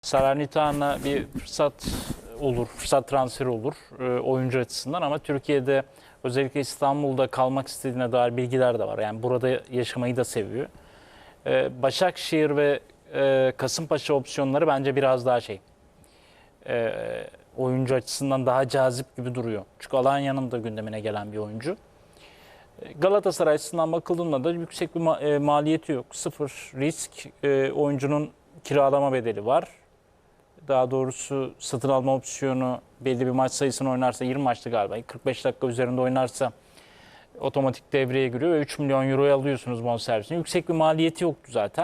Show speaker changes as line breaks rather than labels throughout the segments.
Salernitana bir fırsat olur, fırsat transferi olur oyuncu açısından ama Türkiye'de özellikle İstanbul'da kalmak istediğine dair bilgiler de var. Yani burada yaşamayı da seviyor. Başakşehir ve Kasımpaşa opsiyonları bence biraz daha oyuncu açısından daha cazip gibi duruyor. Çünkü Alanya'nın da gündemine gelen bir oyuncu. Galatasaray açısından bakıldığında da yüksek bir maliyeti yok. Sıfır risk, oyuncunun kiralama bedeli var. Daha doğrusu satın alma opsiyonu belli bir maç sayısını oynarsa 20 maçtı galiba. 45 dakika üzerinde oynarsa otomatik devreye giriyor ve 3 milyon euroya alıyorsunuz bonservisini. Yüksek bir maliyeti yoktu zaten.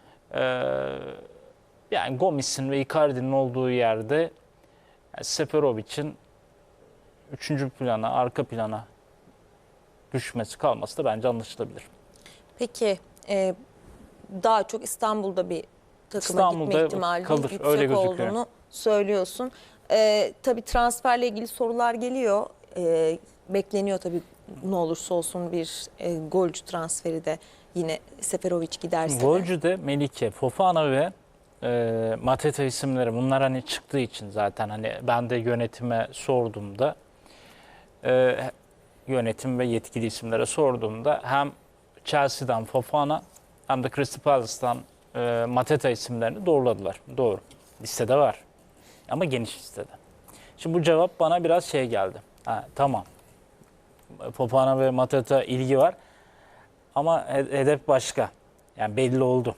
Yani Gomis'in ve Icardi'nin olduğu yerde yani Seferovic'in 3. plana, arka plana düşmesi kalması da bence anlaşılabilir.
Peki daha çok İstanbul'da bir takıma
İstanbul'da
gitme ihtimali
kalır,
yüksek
öyle gözüküyor.
olduğunu söylüyorsun. Tabii transferle ilgili sorular geliyor. Bekleniyor tabii ne olursa olsun bir golcü transferi de yine Seferovic giderse de.
Golcü de Melike, Fofana ve Mateta isimleri bunlar hani çıktığı için zaten hani ben de yönetime sorduğumda yönetim ve yetkili isimlere sorduğumda hem Chelsea'den Fofana hem de Crystal Palace'tan Mateta isimlerini doğruladılar. Doğru. Listede var. Ama geniş listede. Şimdi bu cevap bana biraz geldi. Tamam. Fofana ve Mateta ilgi var. Ama hedef başka. Yani belli oldu.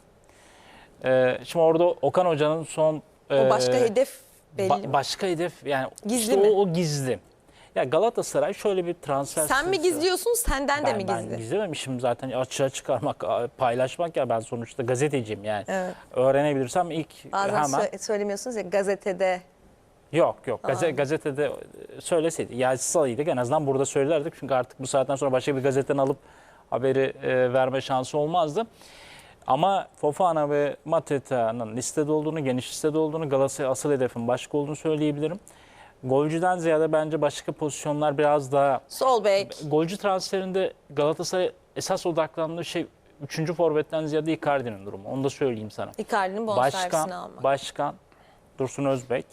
Şimdi orada Okan Hoca'nın son...
O başka hedef belli mi?
Başka hedef yani
Gizli
işte
mi?
o gizli. Ya Galatasaray şöyle bir transfer...
Sen mi gizliyorsun, senden de mi gizli?
Ben gizlememişim zaten, açığa çıkarmak, paylaşmak ya, ben sonuçta gazeteciyim yani.
Evet.
Öğrenebilirsem ilk
Bazen
hemen...
söylemiyorsunuz ya gazetede.
Yok. Gazetede söyleseydi, yazsaydık en azından burada söylerdik. Çünkü artık bu saatten sonra başka bir gazeteden alıp haberi verme şansı olmazdı. Ama Fofana ve Mateta'nın listede olduğunu, geniş listede olduğunu, Galatasaray asıl hedefin başka olduğunu söyleyebilirim. Golcüden ziyade bence başka pozisyonlar biraz daha...
Sol bek.
Golcü transferinde Galatasaray esas odaklandığı şey 3. forvetten ziyade Icardi'nin durumu. Onu da söyleyeyim sana.
Icardi'nin bonservisini almak.
Başkan Dursun Özbek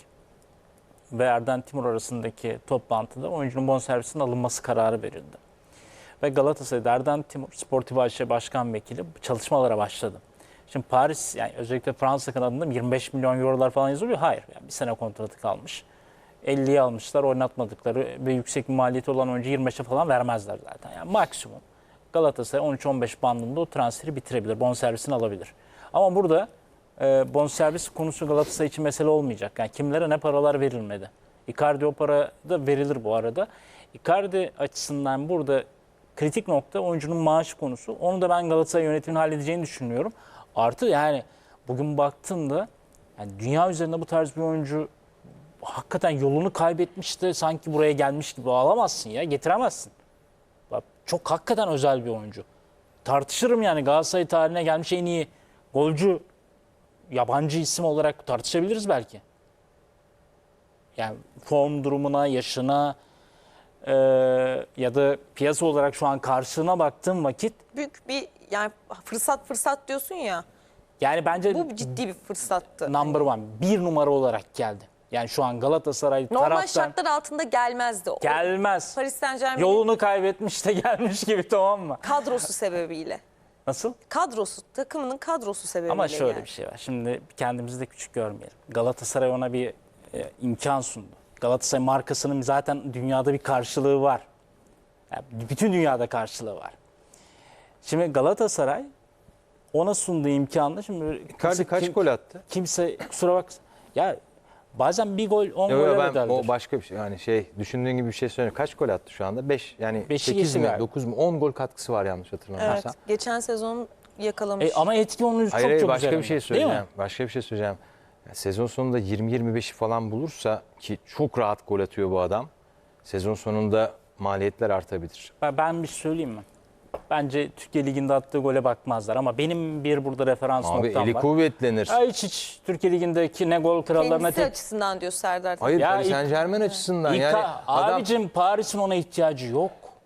ve Erden Timur arasındaki toplantıda oyuncunun bonservisinin alınması kararı verildi. Ve Galatasaray'da Erden Timur, Sportif AŞ Başkan Vekili çalışmalara başladı. Şimdi Paris, yani özellikle Fransa kanadında 25 milyon eurolar falan yazılıyor. Hayır, yani bir sene kontratı kalmış. 50'ye almışlar, oynatmadıkları ve yüksek bir maliyeti olan oyuncu 25'e falan vermezler zaten. Yani maksimum Galatasaray 13-15 bandında o transferi bitirebilir, bonservisini alabilir. Ama burada bonservis konusu Galatasaray için mesele olmayacak. Yani kimlere ne paralar verilmedi. Icardi o para da verilir bu arada. Icardi açısından burada kritik nokta oyuncunun maaşı konusu. Onu da ben Galatasaray yönetiminin halledeceğini düşünüyorum. Artı yani bugün baktığında yani dünya üzerinde bu tarz bir oyuncu hakikaten yolunu kaybetmiş de sanki buraya gelmiş gibi alamazsın ya, getiremezsin. Bak, çok hakikaten özel bir oyuncu. Tartışırım yani, Galatasaray tarihine gelmiş en iyi golcü yabancı isim olarak tartışabiliriz belki. Yani form durumuna, yaşına ya da piyasa olarak şu an karşılığına baktığım vakit
Büyük bir yani fırsat diyorsun ya.
yani bence
Bu ciddi bir fırsattı.
number one, bir numara olarak geldi. Yani şu an Galatasaray
Normal
taraftan
şartlar altında gelmezdi.
gelmez.
Paris Saint-Germain'in
Yolunu kaybetmiş de gelmiş gibi, tamam mı?
kadrosu sebebiyle.
Nasıl?
Takımının kadrosu sebebiyle.
Ama şöyle
yani.
bir şey var. Şimdi kendimizi de küçük görmeyelim. Galatasaray ona bir imkan sundu. Galatasaray markasının zaten dünyada bir karşılığı var. Yani bütün dünyada karşılığı var. Şimdi Galatasaray ona sunduğu imkanla şimdi
Icardi kaç gol attı?
Kimse kusura bak ya, bazen bir gol 10
Yo,
gole
ben
bedeldir.
o başka bir şey. Yani düşündüğün gibi bir şey söylüyorum. Kaç gol attı şu anda? 5 yani
Beşi
8
geçti
mi
galiba.
9 mu 10 gol katkısı var yanlış
Evet.
hatırlamıyorsam.
Geçen sezon yakalamış.
Ama etki onun çok
Hayır,
çok
başka
üzerinde.
bir şey
Değil mi?
söyleyeceğim. Başka bir şey söyleyeceğim. Ya, sezon sonunda 20-25'i falan bulursa ki çok rahat gol atıyor bu adam. Sezon sonunda maliyetler artabilir.
Ben bir şey söyleyeyim mi? Bence Türkiye Ligi'nde attığı gole bakmazlar ama benim bir burada referans
Abi
noktam
eli
var.
kuvvetlenir.
Hiç Türkiye Ligi'ndeki ne gol krallarına
Kendisi açısından diyor Serdar.
Hayır,
Ya
Paris Saint-Germain açısından yani adam
abicim Paris'in ona ihtiyacı yok.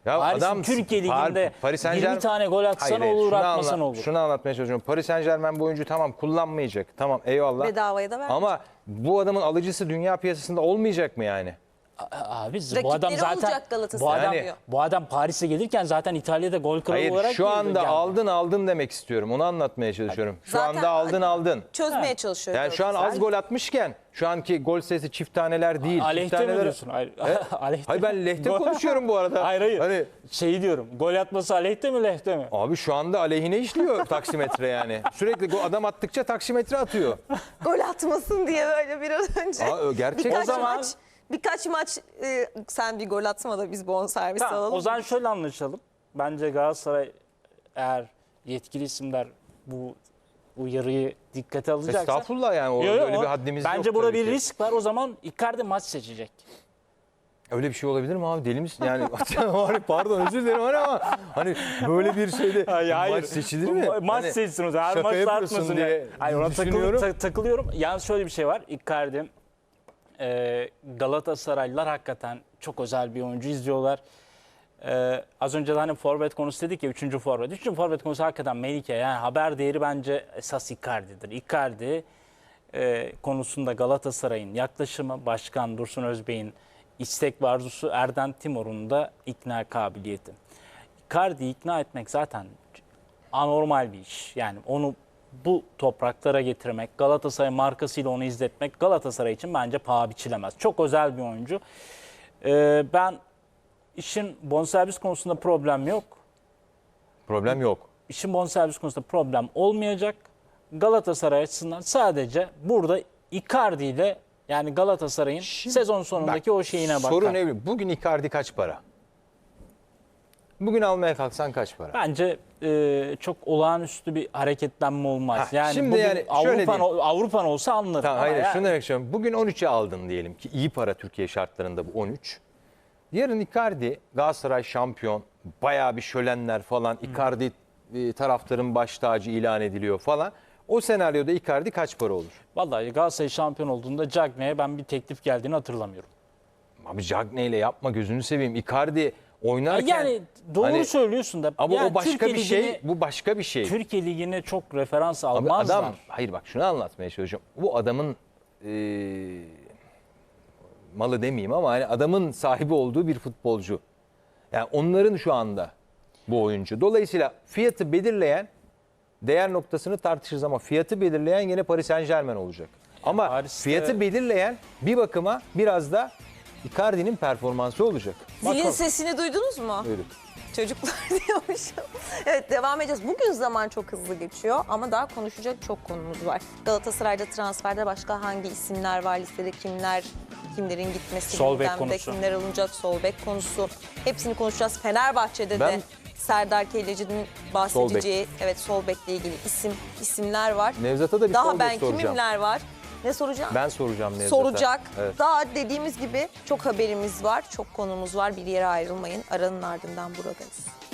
Ya
Paris'in
adam
Türkiye Ligi'nde
Paris
20
Saint-Germain
tane gol atsan
Hayır,
olur,
şunu
atmasan olur.
Şunu anlatmaya çalışıyorum. Paris Saint-Germain bu oyuncu tamam kullanmayacak. Tamam eyvallah.
Bedavaya da vermiş.
Ama bu adamın alıcısı dünya piyasasında olmayacak mı yani?
Abi bu
Rakipleri
adam zaten
olacak Galatasaray.
Yani-
bu adam Paris'e gelirken zaten İtalya'da gol kralı
Hayır
olarak
şu anda
geldi.
aldın demek istiyorum. Onu anlatmaya çalışıyorum. Şu
Zaten
anda aldın.
Çözmeye
Ha.
çalışıyor.
Yani şu an az gol atmışken şu anki gol sayısı çift taneler değil. Çift
Aleyhte mi
taneler.
diyorsun? Hayır, aleyhte.
Hayır ben lehte konuşuyorum bu arada.
Hayır.
Hani
Şeyi diyorum. Gol atması aleyhte mi lehte mi?
abi şu anda aleyhine işliyor taksimetre yani. Sürekli adam attıkça taksimetre atıyor.
Gol atmasın diye böyle biraz önce.
Gerçek.
Birkaç
O zaman-
birkaç maç sen bir gol atma da biz bonservis
Tamam,
alalım.
o zaman şöyle anlaşalım. Bence Galatasaray eğer yetkili isimler bu uyarıyı dikkate alacaksa.
Estağfurullah yani o
Yo, yo,
öyle
o-
bir haddimiz yok.
Bence burada
tabii
bir
ki.
risk var. O zaman Icardi maç seçecek.
Öyle bir şey olabilir mi abi? Deli misin? Yani pardon özür dilerim ama hani böyle bir şeyde maç seçilir mi?
Maç
Hani
seçsin o zaman. Her
şaka
maç
yapıyorsun
tartmasın
diye
diye. Hayır ona
düşünüyorum.
takılıyorum. Yalnız şöyle bir şey var. Icardi Galatasaraylılar hakikaten çok özel bir oyuncu izliyorlar. Az önce de hani forvet konusu dedik ya 3. forvet. 3. forvet konusu hakikaten Melike. Yani haber değeri bence esas Icardi'dir. Icardi konusunda Galatasaray'ın yaklaşımı, Başkan Dursun Özbey'in istek ve arzusu, Erden Timur'un da ikna kabiliyeti. Icardi'yi ikna etmek zaten anormal bir iş. Yani onu bu topraklara getirmek, Galatasaray markasıyla onu izletmek Galatasaray için bence paha biçilemez. Çok özel bir oyuncu. Ben işin bonservis konusunda problem yok.
Problem yok.
İşin bonservis konusunda problem olmayacak. Galatasaray açısından sadece burada Icardi ile yani Galatasaray'ın sezon sonundaki o şeyine bakar.
Sorun ne? Bugün Icardi kaç para? Bugün almaya kalksan kaç para?
Bence çok olağanüstü bir hareketlenme olmaz.
Ha,
Yani
şimdi
bugün
yani şöyle
Avrupa'nın olsa anlarım.
Tamam,
Ama
hayır
yani-
şunu demek istiyorum. Bugün 13'e aldın diyelim ki iyi para Türkiye şartlarında bu 13. Yarın Icardi Galatasaray şampiyon, bayağı bir şölenler falan. Icardi taraftarın baş tacı ilan ediliyor falan. O senaryoda Icardi kaç para olur?
Vallahi Galatasaray şampiyon olduğunda Cagney'e ben bir teklif geldiğini hatırlamıyorum.
Abi Cagney ile yapma gözünü seveyim. Icardi oynarken
Yani doğru
hani-
söylüyorsun da.
ama
yani
o başka
Türkiye
bir şey,
Ligi'ne-
bu başka bir şey.
Türkiye Ligi'ne çok referans
Abi
almazlar.
adam, hayır bak şunu anlatmaya çalışıyorum. Bu adamın malı demeyeyim ama hani adamın sahibi olduğu bir futbolcu. Yani onların şu anda bu oyuncu. Dolayısıyla fiyatı belirleyen, değer noktasını tartışırız ama fiyatı belirleyen yine Paris Saint-Germain olacak. Ama
Paris'te-
fiyatı belirleyen bir bakıma biraz da Icardi'nin performansı olacak.
Zilin sesini duydunuz mu?
Buyurun.
Çocuklar diyormuşum. Evet devam edeceğiz. Bugün zaman çok hızlı geçiyor ama daha konuşacak çok konumuz var. Galatasaray'da transferde başka hangi isimler var listede, kimlerin gitmesi
Sol bek
gündemde,
konusu.
kimler alınacak, sol bek konusu. Hepsini konuşacağız. Fenerbahçe'de
Ben-
de Serdar Kelleci'nin bahsedeceği sol bekle ilgili isimler var.
Nevzat'a da bir
Daha
sol
ben
bek soracağım.
kimimler var? Ne soracağım?
Ben soracağım Nevzat'a.
Soracak.
Evet.
Daha dediğimiz gibi çok haberimiz var, çok konumuz var. Bir yere ayrılmayın. Aranın ardından buradayız.